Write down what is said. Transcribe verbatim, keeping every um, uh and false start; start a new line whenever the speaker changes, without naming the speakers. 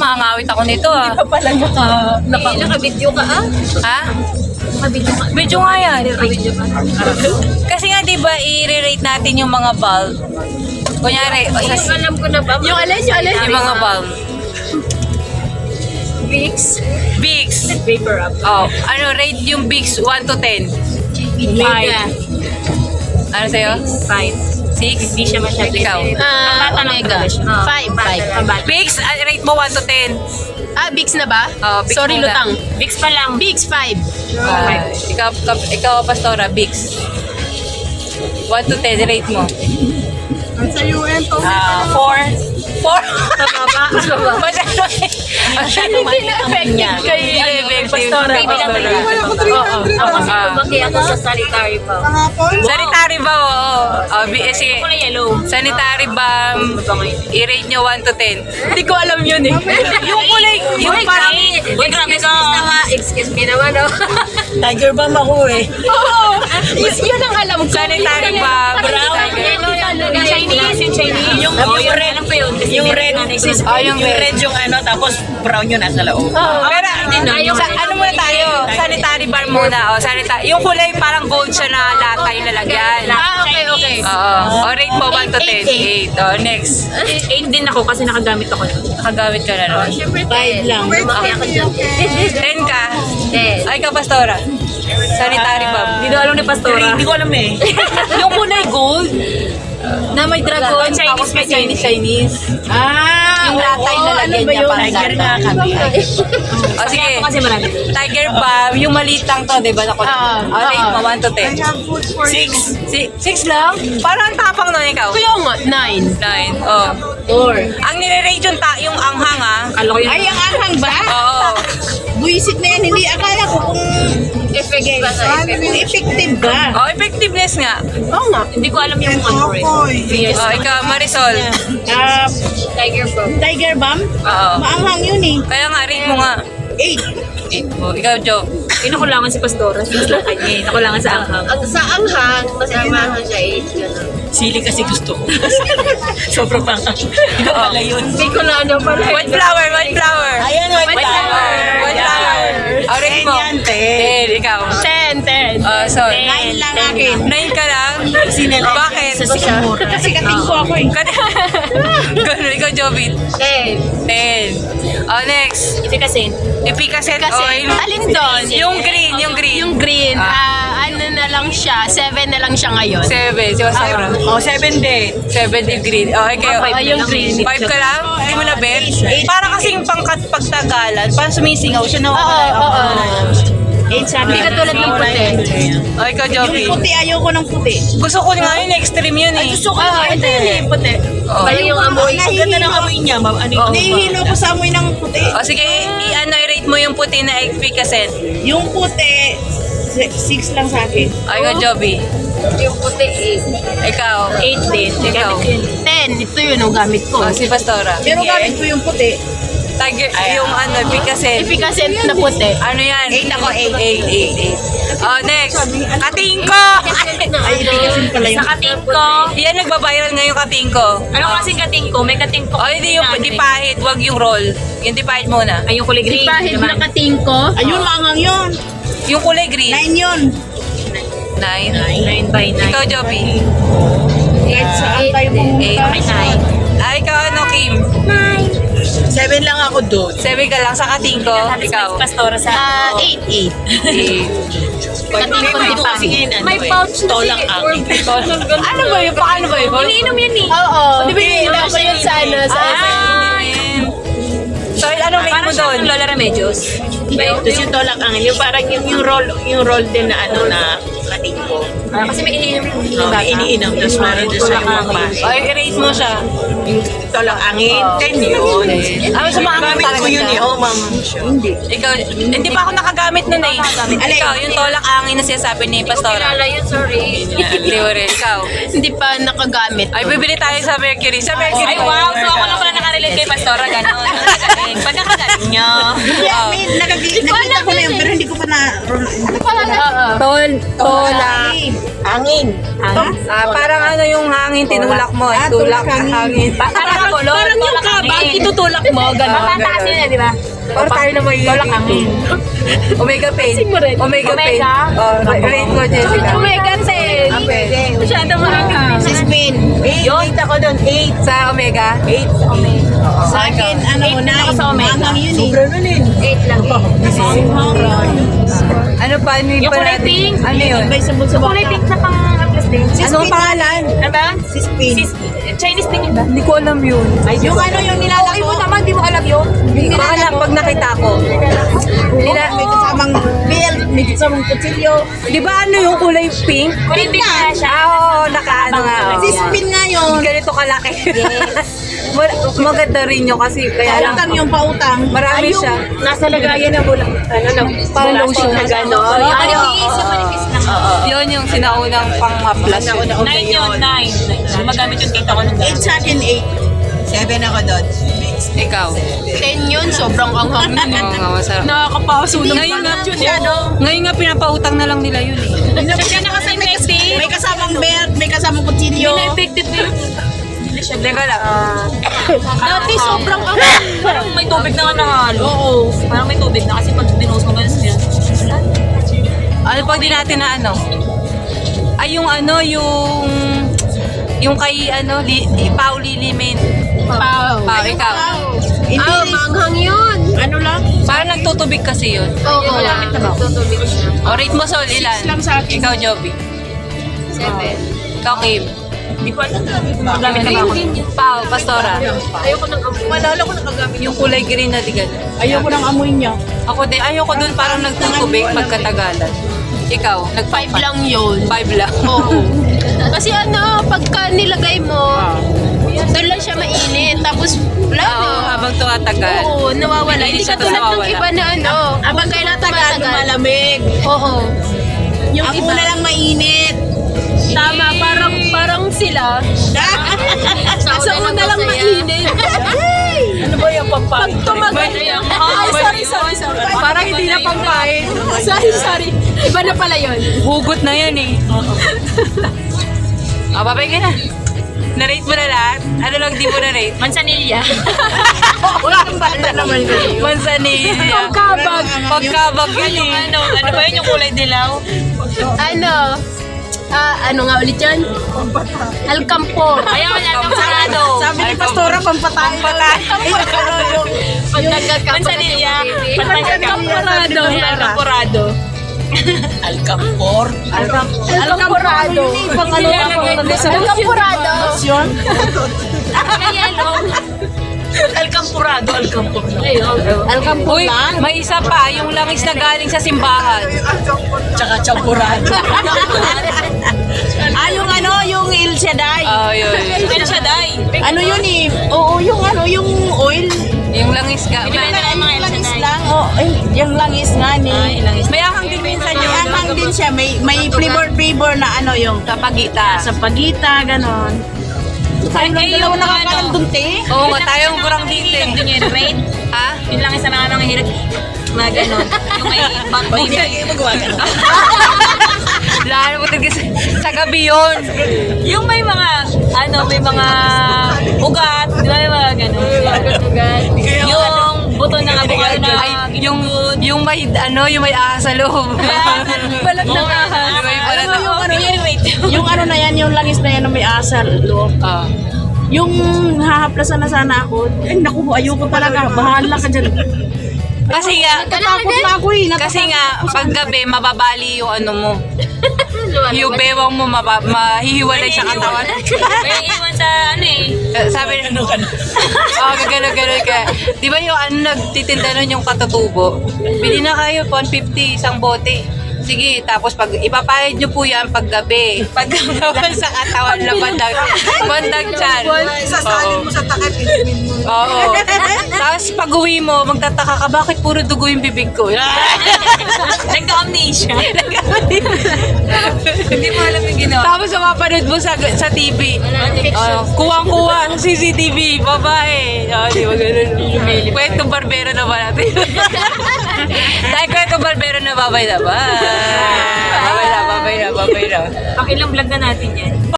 makangawit ako nito ah.
Hindi pa pala naka... naka
Eh, naka-video ka ah.
Ha?
Naka-video ka.
Video nga yan.
Naka-video ka.
Kasi nga di ba i-rate natin yung mga bulb. Kunyari, o sa,
Yung alam ko na ba?
Yung alin, yung alin.
yung mga bulb.
Vicks.
Bigs.
Vapor up.
Oh, ano, rate yung Bigs one to ten.
Omega.
Ano sa'yo?
Five.
six?
Hindi siya masyado.
Ikaw?
Ah, Omega. Five, five.
Bigs, ah, rate mo one to ten.
Ah, Bigs na ba?
Oh, Bigs
Sorry,
muna.
lutang.
Vicks pa lang.
Bigs, five.
Ah, ikaw, ikaw, ikaw, Pastora, Bigs. one to ten, rate mo.
Sa U N to.
Ah, four. four?
Mababa.
Masyado. Masyado
Hindi na-effective kayo.
Effective.
Pastora,
Pastora.
Pastora.
Ako kasi lumaki ako sa sanitary pa.
Sanitary ba? Oo. Oh, bi- eh, sige.
Ako na yellow.
Sanitary ba? I-rate nyo one to ten.
Hindi ko alam yun eh.
Yung kulay, yung parang...
Uy, grabe ka. Excuse me naman, oh.
Tiger Balm ako eh.
Oo. Yun yun ang alam ko.
Sanitary ba?
Yung Chinese, yung Chinese.
Yung, yung red,
Alam ko yun. Kasi
yung
may
red,
nanay ko.
sis,
Ah, yung
yung
red.
red yung ano, tapos brown yun nasa loob.
Pero,
Yung-
sa, ano muna tayo? Sanitary bar muna. O, sanitary. Yung kulay parang gold siya na lata yung lalagyan.
Ah, okay, okay.
Oo. O, rate mo one to ten. eight. O, next.
Eight din ako kasi nakagamit ako.
Nakagamit ka na nun.
Siyempre, five lang. Lumaki ako dyan.
ten ka.
Ten.
Ay, ka, Pastora. Sanitary bar.
Hindi daw alam ni Pastora.
Hindi ko alam eh.
Yung kulay gold na may dragon,
Chinese,
tapos may
may
Chinese, Chinese.
Ah,
Yung lata yung lalagyan niya parang
Tiger
lata.
nga kami.
O sige,
Ako kasi marami.
Tiger Balm, yung maliit lang to, di ba? Naku,
Ah,
o, rate mo, one to ten.
Six.
Si, six lang? Parang ang tapang nun ikaw.
Kaya nga, nine.
Nine. Oh.
Four.
Ang nire-rate yung, ta- yung anghang ah.
Kala ko yun.
Ay, ang anghang ba?
Oo.
Buisit na yan, hindi akala ko kung
Effective ba sa effective?
effective ba.
Oh, effectiveness nga.
Oo nga.
Hindi ko alam yung ano rin. Yes.
Oh, ikaw, Marisol.
Ah,
Tiger Pro.
Tiger Balm?
Oo.
Maanghang yun eh.
Kaya nga, rate mo nga.
Eight.
Eight mo. Ikaw, Joe.
Inakulangan si Pastora. Since lang kanya eh. Nakulangan sa anghang.
Ang sa anghang, kasi amahan siya eight.
Sili kasi gusto ko. Sobrang pang. Iba pala yun.
Hindi ko na ano pala.
White flower, white flower.
Ayan, white,
White flower. White flower. Oh, rate mo.
Ten yan, ten.
Ten, ikaw.
Ten, ten.
Oh, so,
Nine lang akin.
nine ka lang?
Sinelect
Bakit?
sa Singapore.
Kasi kating ko ako eh.
Ganun, ikaw, Jovit.
Ten.
Ten. Oh, next.
Efficacy.
Efficacy
Kasi,
oil.
alin doon?
Yung green, yung green.
Yung green,
Ah.
ah, ano na lang siya, seven na lang siya ngayon.
Seven. Si Pastora.
Oh, seven din.
Seven yung green. Oh, okay.
Ah, five
yung
na lang.
green.
Five ka lang? Hindi mo na bet? Para kasing pangkat pagtagalan, parang sumisingaw siya na
Oo,
wala yung
oo.
ano.
Eight sabi. Hindi katulad ng puti.
Oh, ikaw, Jovi.
Yung puti, ayoko ng puti.
Gusto ko nga yun, extreme yun eh.
Gusto ko ah, ito yun eh, puti.
Oh.
Bali yung amoy.
Ang ganda ng amoy niya, ma'am. Ano yung
Nahihilo ko sa amoy ng puti.
Oh, sige, i-ano, i-rate mo yung puti na efficacy.
Yung puti, si- six lang sa akin.
Oh, ikaw, Jovi.
Yung puti eight.
Ikaw.
Eight din.
Ikaw.
Ten, ito yun ang gamit ko.
Oh, si Pastora.
Pero gamit ko yung puti.
Tiger, yung ano, efficacy.
Efficacent na puti.
Ano yan?
Eight ako, eight.
Eight, eight, eight. Oh, next. Katingko!
Ay, efficacent pala
Sa
yung
kating ko.
Yan, nagbabiral ngayon katingko.
Ano kasing kating ko? May kating ko.
Oh, hindi yung di pahit, wag yung roll. Yung di pahit muna.
Ay, yung kulay green.
Pahid na
naman.
kating ko. Ayun, maangang yun.
Yung kulay green.
Nine yun.
Nine.
Nine by nine.
Ikaw, Joby.
Eight sa antay mo.
Eight.
Ay, nine.
Ay, ikaw, ano, Kim?
Seven lang ako doon.
Seven ka lang sa katingko. Ikaw.
Si Pastora sa
Ah, eight, eight.
Eight.
May ko kasi ngayon, ano
May
eh,
pouch na
tolak
si
akin.
Ano ba yun? Paano ba yun?
Iniinom yan eh.
Oo.
Di ba yun?
Iniinom ko yun sa ano, sa
Ah, yun. So, ano rate mo
Parang siya
doon?
ng Lola Remedios.
Tapos yung tolak angin, yung parang yung, yung roll, yung roll din na ano na kating ko.
Ah, kasi may iniinom yung
Oh, may iniinom, tapos meron doon sa yung magpasok.
Ay, rate mo siya.
Yung tolak angin, ten yun.
Ah, sa mga
Gamit ko yun eh, oh ma'am.
Ikaw, hindi pa ako nakagamit nun eh. Ikaw, yung tolak angin na sinasabi ni Pastora.
Kilala yun, sorry.
Hindi mo rin. Ikaw.
Hindi pa nakagamit.
Ay, bibili tayo sa Mercury. Sa Mercury.
Ay, wow. So, ako lang pala nakarelate kay Pastora. Ganon. Pagkagaling. Pagkakagaling nyo.
Yeah, may nakagi- nakita ko na yun, pero hindi ko pa na...
Oo.
Tol,
Tolak.
Hangin.
Ah, parang ano yung hangin, tinulak mo.
Ah,
tulak
tulak
ang hangin.
Parang ako, Lord.
Parang yung kabag, itutulak mo, gano'n.
Matataas yun eh, di ba?
Or tayo na may
Tolak hangin.
Omega pain.
mo rin.
Omega pain.
Omega?
Oh, rate mo, Jessica.
Omega ten.
Ah, pwede.
Masyado maanghang.
Si Spin. Eight, eight ako doon, eight.
Sa Omega?
Eight. Sa akin, ano,
Eight
nine.
ako sa Omega.
Hanggang yun eh. Sobra nun eh.
Eight lang eh.
Ano pa? Ano
Yung
pa
kulay
natin?
pink.
Ano yun?
May sabog-sabog.
Kulay pink na pang atlas din.
Anong pangalan?
Ano ba?
Si Spin.
Sis- Chinese din yun ba?
Hindi ko alam yun.
Yung ano yung nilalako.
Ay mo naman, di mo alam yun.
Baka lang pag nakita ko. Nila,
May kasamang belt, may kasamang kutsilyo.
di ba ano yung kulay pink?
Kulay pink na siya.
Ah, oo, nakaano nga. oh.
Si Spin nga yun.
Ganito kalaki. Mag- Maganda rin yun kasi kaya lang.
Pautang yung pautang.
Marami
Ay, yung
siya.
Nasa lagayan na mula. Ano na,
Parang lotion
na gano'n.
Manipis, yung manipis lang.
Yun yung sinaunang pang-maplas yun.
Nine yun, nine. Magamit yung kita ko nung
Eight sa akin, eight. Seven ako doon.
Ikaw.
Ten yun, sobrang anghang nun eh.
Oo nga, masarap.
Nakakapaso ng
Ngayon nga,
yun eh, ano?
ngayon nga pinapautang na lang nila yun eh.
Kasi nakasign effective.
May kasamang belt, may kasamang kutsilyo.
Hindi na effective yun.
Teka lang.
Dati sobrang anghang. Parang may tubig na nga nahalo. Oo. Parang may tubig na kasi pag dinos mo ganun siya.
Ano pag di natin na ano? Ay yung ano, yung... Yung kay ano, li, Pao Lilimin.
Pao.
Pao, ikaw.
Hindi.
Ah, manghang yun.
Ano lang?
Parang nagtutubig kasi yun.
Oo, tutubig siya.
O rate mo Sol, ilan?
lang sa akin.
Ikaw, Joby.
Seven.
Ikaw, Kim.
Hindi ko alam. Gamit na ba ako?
Pao, Pastora.
Ayoko nang amoy.
Malala ko nakagamit.
Yung kulay green na digan.
Ayoko ng amoy niya.
Ako din, ayoko dun parang nagtutubig pagkatagalan. Ikaw, nag
Five lang yun.
Five lang.
Oo. Kasi ano, pagka nilagay mo, doon lang siya mainit. Tapos, wala
Oo,
na.
habang tumatagal.
Oo, nawawala.
Hindi
Hindi
siya
katulad ng
nawawala.
iba na ano.
Abang kayo natagal, lumalamig.
Oo. Yung
Ako
iba.
na lang mainit.
Tama, parang parang sila. Sa una lang mainit.
Ano ba yung pampang?
Pag tumagal. Ay, sorry, sorry, sorry.
Parang hindi na pangkain.
Sorry, sorry. Iba na pala yun.
Hugot na yan eh. O, babay ka na. Na-rate mo na lahat? Ano lang di mo na-rate?
Mansanilla.
Wala kang bala naman ko. Mansanilla.
Pagkabag.
Pagkabag yun eh.
Ano, ano ba yun yung kulay dilaw?
Ano? Ah, ano nga ulit yan? Alcampor.
Ayaw niya, kampurado.
Sabi ni Pastora, pampatay. Pampatay.
Mansanilla. Alcampurado. Alcampurado.
Alcampor.
Alcamporado. Alcamporado.
Yun?
Alcampurado. Alcampurado.
Alcampor
Uy,
lang.
may isa pa, yung langis na galing sa simbahan.
Tsaka champurado. ah, yung ano, yung Il Shaddai.
Oh, yun.
Ano siya, Day?
Ano yun eh? Oo, yung ano, yung oil.
Yung langis ga.
Hindi ba
May,
yung mga
Langis
Elsa,
lang. Oh, ay, yung langis nga ni.
may ahang din minsan
May
yung
anghang din siya. May, may flavor-flavor na ano yung
kapagita.
sa pagita, ganon.
Ay,
Tayo lang
eh,
dalawa
yung
nakakalang
ano.
dunti.
Oo nga, tayong kurang dito eh.
Yung yung rate.
Ha?
Yun lang isa na nga nang hirap. Mga ganon. Yung may bang may
magawa ka na.
Lalo mo talaga sa, sa gabi yun.
Yung may mga, ano, may mga ugat. Di ba may mga ganon? Yung buto ng avocado na
Ay, yung, yung may, ano, yung may ahas sa loob.
balat ng ahas.
May balat
Alam mo yung ano yun, wait.
Yung ano na yan, yung langis na yan na may asal loob.
Ah.
Yung hahaplasan na sana ako, ay naku, ayoko talaga, bahala ka dyan.
Kasi nga,
Natatakot na ako eh.
kasi nga, pag gabi, mababali yung ano mo. Yung bewang mo, maba, mahihiwalay sa katawan.
May iwan sa ano eh.
Eh, Sabi na, oo, oh, gagano-gano ka. Di ba yung ano, nagtitinda nun yung katutubo? Bili na kayo, one fifty, isang bote. Sige, tapos pag ipapayad nyo po yan pag gabi. Pag gabi sa katawan na bandag, bandag chan. Sasalin mo sa takip, inumin mo. Oo. Tapos pag uwi mo, magtataka ka, bakit puro dugo yung bibig ko?
Nagka-amnesia. Hindi mo alam yung ginawa.
Tapos mapapanood mo sa sa T V. Oh, kuwang-kuwa sa C C T V, babae. Oh, di ba ganun? Kwentong barbero na ba natin? Dahil ko yung barbero na babay na ba? Babay na, babay na, babay na.
Pang ilang vlog na natin yan.